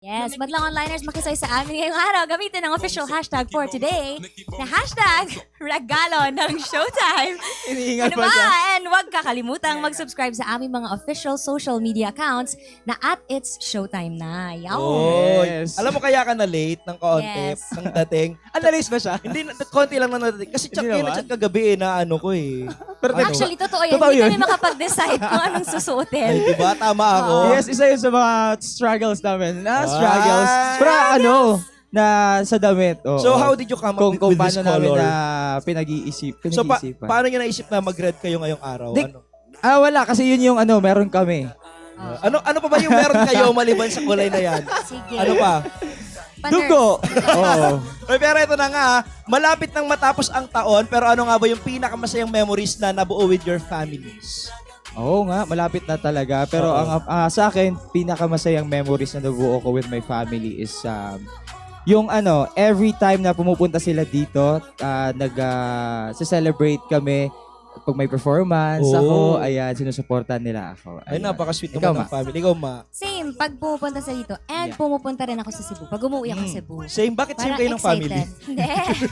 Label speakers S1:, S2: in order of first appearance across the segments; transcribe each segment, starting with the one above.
S1: Yes, madlang onliners makisay sa amin ngayong araw. Gamitin ang official hashtag for today na hashtag regalo ng Showtime.
S2: Iniingal
S1: Ano
S2: pa
S1: ba?
S2: siya.
S1: And huwag kakalimutang mag-subscribe sa aming mga official social media accounts na at It's Showtime na. Yaw.
S3: Oh,
S2: Yes.
S3: alam mo kaya ka na late ng kaunti,
S1: Yes.
S3: ng dating.
S2: Analyze ba siya?
S3: Hindi, konti lang na dating. Kasi chat
S2: Hindi
S3: kayo na
S2: naman.
S3: chat kagabi na ano ko eh.
S2: Pero
S3: Ano?
S1: Actually, totoo yan.
S2: Totoo
S1: Hindi
S2: yun.
S1: kami makapag-decide kung anong susuotin.
S3: Ay, diba? Tama ako.
S2: Yes, isa yun sa mga struggles namin. Struggles.
S3: Ah.
S2: Pero na sa damit. Oo.
S3: So, how did you come up
S2: kung
S3: with this
S2: paano namin
S3: color?
S2: na pinag-iisipan.
S3: So, paano nyo naisip na mag-red kayo ngayong araw?
S2: Di-
S3: Ano?
S2: Wala. Kasi yun yung meron kami.
S3: Ano pa ba yung meron kayo maliban sa kulay na yan?
S1: Sige.
S3: Ano pa?
S1: Paner-
S2: Dugo! Oo.
S3: Ay, pero ito na nga, malapit nang matapos ang taon, pero ano nga ba yung pinakamasayang memories na nabuo with your families?
S2: Oo nga, malapit na talaga. Pero
S3: Oo.
S2: sa akin, pinakamasayang memories na nabuo ko with my family is yung every time na pumupunta sila dito, celebrate kami pag may performance
S3: Oh.
S2: ako, ayan, sinusuportahan nila ako.
S3: Ay,
S2: Ayan.
S3: napaka-sweet
S2: Ikaw,
S3: naman ng family. Ikaw, ma.
S1: Same, pag pumupunta sa dito. And
S2: Yeah.
S1: pumupunta rin ako sa Cebu. Pag umuwi ako sa Cebu.
S3: Same, bakit same
S1: Parang
S3: kayo ng family?
S1: excited. Hindi.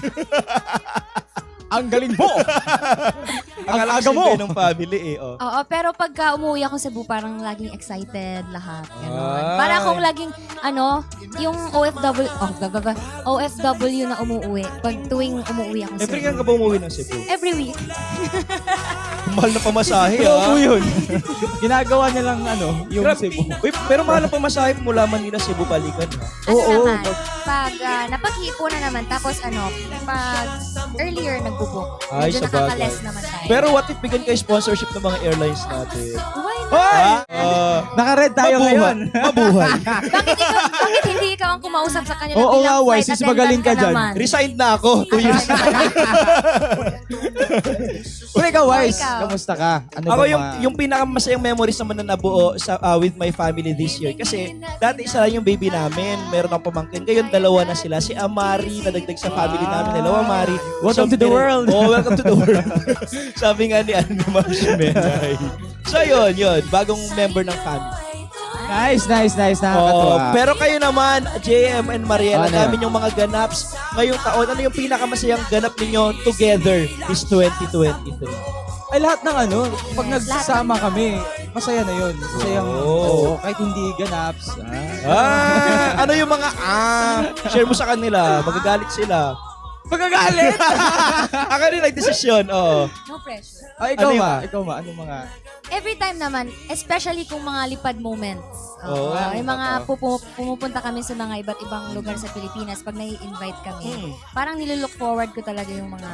S2: Ang galing mo!
S3: Akala
S2: aga
S3: ko
S2: mo.
S3: same kayo ng family eh. Oh.
S1: Oo, pero pagka umuwi ako sa Cebu, parang laging excited lahat. Ganon.
S3: Ay.
S1: Para akong laging, yung OFW na umuwi. Pag tuwing umuwi ako sa
S3: Every
S1: Cebu.
S3: kang ka ba umuwi ng Cebu?
S1: Every week.
S3: Mahal na pamasahe
S2: Pero
S3: ah.
S2: yun. Ginagawa niya lang yung
S3: Grabe.
S2: Cebu.
S3: Uy, pero mahal na pamasahe mula Manila, Cebu, balikan ha.
S1: Ano naman, pag napag-iipunan naman, tapos pag earlier nagbubook,
S3: Ay,
S1: medyo
S3: sa bagay.
S1: nakaka-less naman tayo.
S3: Pero what if bigyan kayo sponsorship ng mga airlines natin?
S1: Why not?
S2: Hoy!
S3: Ah,
S2: Naka-red tayo ngayon.
S3: Mabuhay.
S1: Bakit hindi ikaw ang kumausap sa kanya
S2: Oo nga,
S1: bilang
S2: Wise,
S1: flight
S2: sis, magaling ka
S1: attendant
S2: dyan.
S1: naman?
S3: Resigned na ako. 2 years.
S2: Pero ikaw, Wise,
S1: ikaw.
S2: kamusta ka? Ano
S3: Ako
S2: ba
S3: yung pinakamasayang memories naman na nabuo with my family this year. Kasi dati isa lang yung baby namin. Meron akong pamangkin. Ngayon dalawa na sila. Si Amari na dagdag sa family namin. Hello, Amari.
S2: Welcome to the world.
S3: Oh, welcome to the world. Sabi nga ni Marshmelay. So yun. Bagong member ng family.
S2: Nice.
S3: Oh,
S2: Nakakatuwa.
S3: pero kayo naman, JM and Mariela,
S2: Ano?
S3: namin yung mga ganaps ngayong taon. Ano yung pinakamasayang ganap ninyo together this 2023?
S2: Ay, lahat ng pag nagsasama kami, masaya na yun. Masayang,
S3: Oh.
S2: kahit hindi ganaps.
S3: Ano yung mga share mo sa kanila, magagalit sila.
S2: Magagalit!
S3: Ako rin nagdesisyon, oo.
S1: No pressure.
S2: Ay, ikaw
S3: Ano
S2: ba? Ikaw ba? Anong mga...
S1: Every time naman, especially kung mga lipad moments.
S3: Oo,
S1: yung mga
S2: totoo.
S1: pumupunta kami sa mga iba't ibang lugar sa Pilipinas, pag nai-invite kami,
S3: Hmm.
S1: parang nililook forward ko talaga yung mga,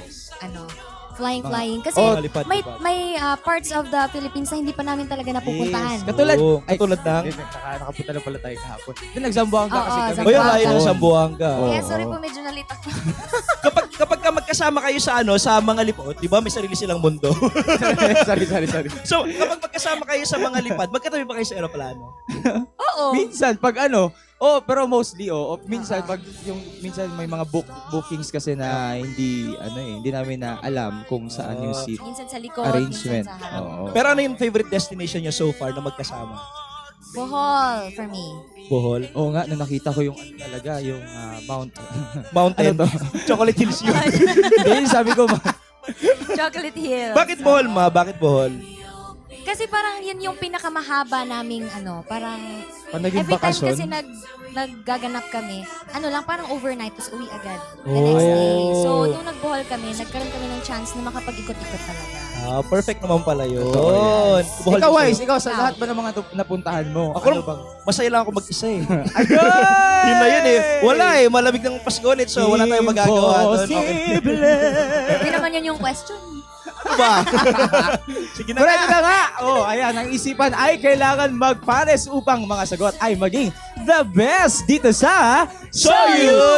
S1: flying. Kasi
S3: lipad.
S1: may parts of the Philippines na hindi pa namin talaga napupuntahan.
S2: Yes. Katulad,
S3: Oo, katulad ng?
S2: Nakapunta na pala tayo kahapon. Nagsambuhan ka
S1: Oo,
S2: kasi kami.
S1: Zamboanga.
S3: O yung layo ng Sambuanga.
S2: Oo.
S1: Kaya sorry po, medyo nalita ko.
S3: Kapag ka magkasama kayo sa mga lipad, di ba may sarili silang mundo?
S2: sorry.
S3: So, kapag magkasama kayo sa mga lipad, magkatabi ba kayo sa aeroplano?
S1: Oo.
S2: Minsan, pag pero mostly, minsan, minsan may mga bookings kasi na hindi namin na alam kung saan yung seat
S1: Minsan sa likod,
S2: arrangement.
S1: minsan sa harap.
S2: Oo.
S3: Pero ano yung favorite destination nyo so far na magkasama?
S1: Bohol, for me.
S3: Bohol?
S2: Oo nga, nung nakita ko yung talaga, yung
S3: Mountain?
S2: Ano to?
S3: Chocolate Hills yun.
S2: Hindi, sabi ko,
S1: Chocolate Hills.
S3: Bakit Bohol, ma? Bakit Bohol?
S1: Kasi parang yun yung pinakamahaba naming parang
S2: pag naging
S1: every time
S2: bakasyon,
S1: kasi naggaganap kami, parang overnight, tapos uwi agad the next day. So, nung nagbohol kami, nagkaroon kami ng chance na makapag-ikot-ikot talaga.
S3: Perfect naman pala yun.
S2: Totoo
S3: Bohol
S2: ikaw,
S3: gusto
S2: Wise,
S3: ko.
S2: ikaw, sa lahat ba ng mga napuntahan mo?
S3: Ako lang, masaya lang ako mag-isa eh.
S2: Ayun!
S3: Yun na yun eh. Wala eh. Malamig ng Pasko ulit, so wala tayong magagawa doon. Okay.
S2: Imposible!
S1: Hindi naman yun yung question.
S3: Ano ba? Sige na
S2: Correct
S3: nga.
S2: na nga! Ayan, ang isipan ay kailangan magpares upang mga sagot ay maging the best dito sa
S3: Soyu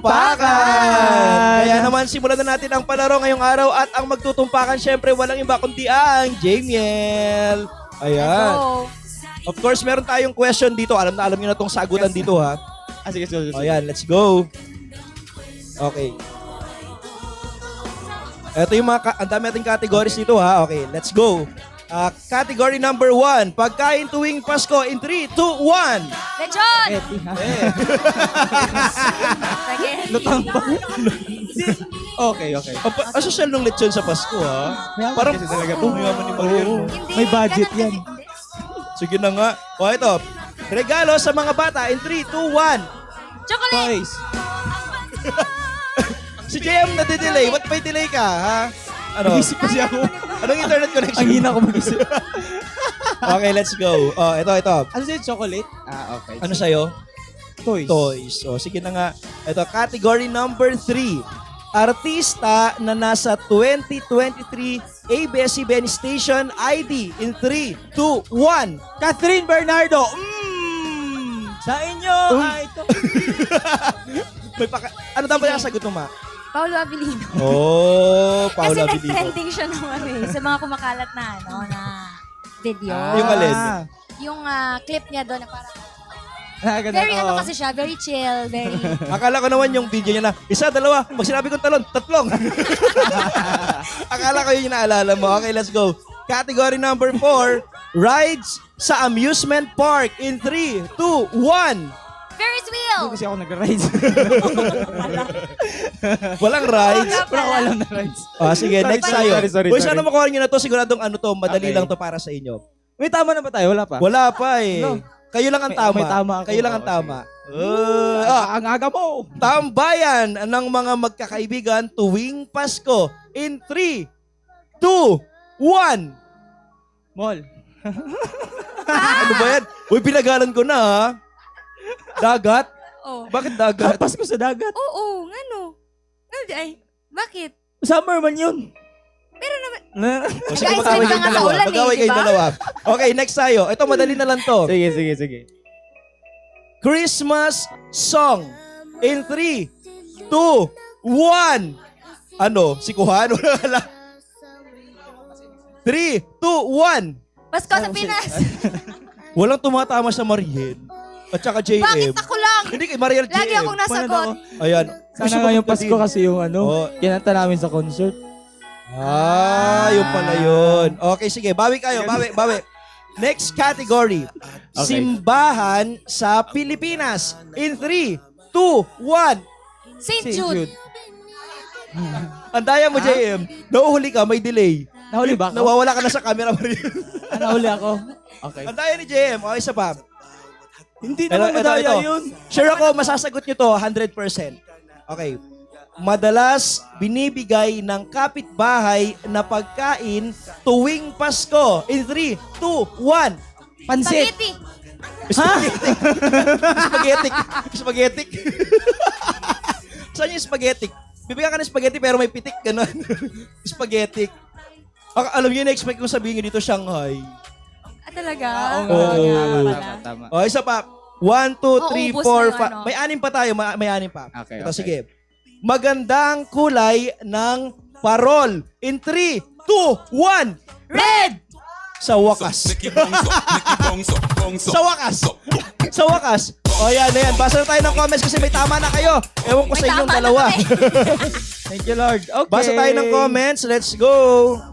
S3: Tumpakan! Kaya naman, simulan na natin ang palaro ngayong araw at ang magtutumpakan, syempre, walang iba kundi ang Jamiel. Ayan.
S1: So,
S3: Of course, meron tayong question dito. Alam nyo na tong sagutan dito, ha?
S2: Sige.
S3: Ayan, let's go. Okay. Ito yung ang dami nating categories dito, ha? Okay, let's go. Category number 1. Pagkain tuwing Pasko in 3, 2, 1.
S1: Lechon!
S2: Eti, ha?
S1: Sige.
S2: Lutang pa. Okay.
S3: Asosyal nung lechon sa Pasko, ha?
S2: Mayaman
S3: Parang,
S2: kasi talaga to.
S3: mayaman ni Mariel. no?
S1: Hindi,
S2: May budget
S1: ganun
S2: yan.
S1: kasi. Hindi.
S3: Sige na nga. O, ito. Regalo sa mga bata in 3, 2, 1.
S1: Chocolate!
S2: Toys.
S3: Si JM nade-delay. Ba't may delay ka, ha? Ano?
S2: Nag-isip kasi ako.
S3: Anong internet connection?
S2: Ang hina ko mag-isip.
S3: Okay, let's go. Oh, ito.
S2: Ano sa'yo? Chocolate? Okay.
S3: Ano sa'yo?
S2: Toys.
S3: Toys. O, sige na nga. Ito, category number 3. Artista na nasa 2023 ABS-CBN Station ID in 3, 2, 1.
S2: Catherine Bernardo. Sa inyo. Ito.
S3: Ano daw ba yung sagot mo, Ma?
S1: Paolo Abilino.
S3: Oh,
S1: Kasi
S3: Paula Abilino.
S1: nag-trending siya naman sa mga kumakalat na, na video.
S3: Yung alin?
S1: Yung clip niya doon na parang,
S2: Ganun,
S1: very
S2: oo.
S1: kasi siya, very chill, very...
S3: Akala ko naman yung video niya na, 1, 2, pag sinabi kong talon, 3. Akala ko yun yung naalala mo. Okay, let's go. Category number 4, rides sa amusement park in 3, 2, 1.
S1: Ferris wheel!
S2: Hindi kasi ako nag-rides.
S3: Walang rides.
S2: Wala ko alam na rides.
S3: Sige, next tayo.
S2: Sorry.
S3: Uy, sana makuha nyo na to. Siguradong ano to, madali
S2: Okay.
S3: lang to para sa inyo.
S2: May tama na ba tayo? Wala pa?
S3: Wala pa eh.
S2: No.
S3: Kayo lang ang
S2: May-
S3: tama.
S2: may tama ako.
S3: Kayo lang ang
S2: Oo,
S3: tama.
S2: Ang aga mo.
S3: Tambayan ng mga magkakaibigan tuwing Pasko in 3, 2, 1.
S2: Mall.
S3: Ano ba yan? Uy, pinagalan ko na ha. Dagat?
S1: Oh.
S3: Bakit dagat?
S2: Pasko sa dagat.
S1: Oo, ano? Ay, bakit?
S2: Summer man yun.
S1: Pero naman,
S3: O, sige,
S1: Guys,
S3: mag-away
S1: may
S3: kayong
S1: mga
S3: dalawa.
S1: kaulan eh,
S3: Mag-away
S1: di
S3: kayong
S1: ba?
S3: dalawa. Okay, next tayo. Ito, madali na lang to.
S2: Sige.
S3: Christmas song in 3, 2, 1. Ano? Si Kuhan? Wala. 3, 2, 1.
S1: Pasko sa Pinas!
S3: Walang tumatama sa Mariel. At saka JM.
S1: Bakit ako lang?
S3: Hindi kay Mariel JM.
S1: Lagi akong nasagot.
S3: Ayan.
S2: Sana nga yung Pasko kasi yung
S3: Oo.
S2: kinanta namin sa concert.
S3: Yun pala yun. Okay, sige. Bawi kayo. Bawi. Next category.
S2: Okay.
S3: Simbahan sa Pilipinas. In 3, 2, 1.
S1: St. Jude.
S3: Andaya mo, JM. Nauhuli ka, may delay.
S2: Nahuli ba ako?
S3: Nawawala ka na sa camera, Mariel.
S2: Nahuli ako. Okay.
S3: Andaya ni JM. Okay, isa pa.
S2: Hindi naman madaya yun.
S3: Sure ako, masasagot nyo to 100%. Okay. Madalas binibigay ng kapitbahay na pagkain tuwing Pasko. In 3, 2, 1.
S2: Pansit.
S1: Spaghetti.
S3: Spaghetti. Saan yung spaghetti? Bibigyan ka ng spaghetti pero may pitik, gano'n. Spaghetti. Alam niyo, na-expect kong sabihin nyo dito, Shanghai.
S1: Talaga?
S3: Oo.
S2: Tama.
S3: O, isa pa. 1, 2, 3,
S1: ubos
S3: 4,
S1: na yung
S3: 5.
S1: ano.
S3: May 6 pa tayo. May 6 pa.
S2: Okay,
S3: Ito,
S2: okay.
S3: sige. Magandang kulay ng parol. In 3, 2, 1.
S1: Red!
S3: Sa wakas. Sa wakas. Sa wakas. O yan, ayan. Basa na tayo ng comments kasi may tama na kayo. Ewan ko
S1: May
S3: sa inyong
S1: tama na
S3: dalawa.
S1: kami.
S2: Thank you, Lord. Okay.
S3: Basa tayo ng comments. Let's go.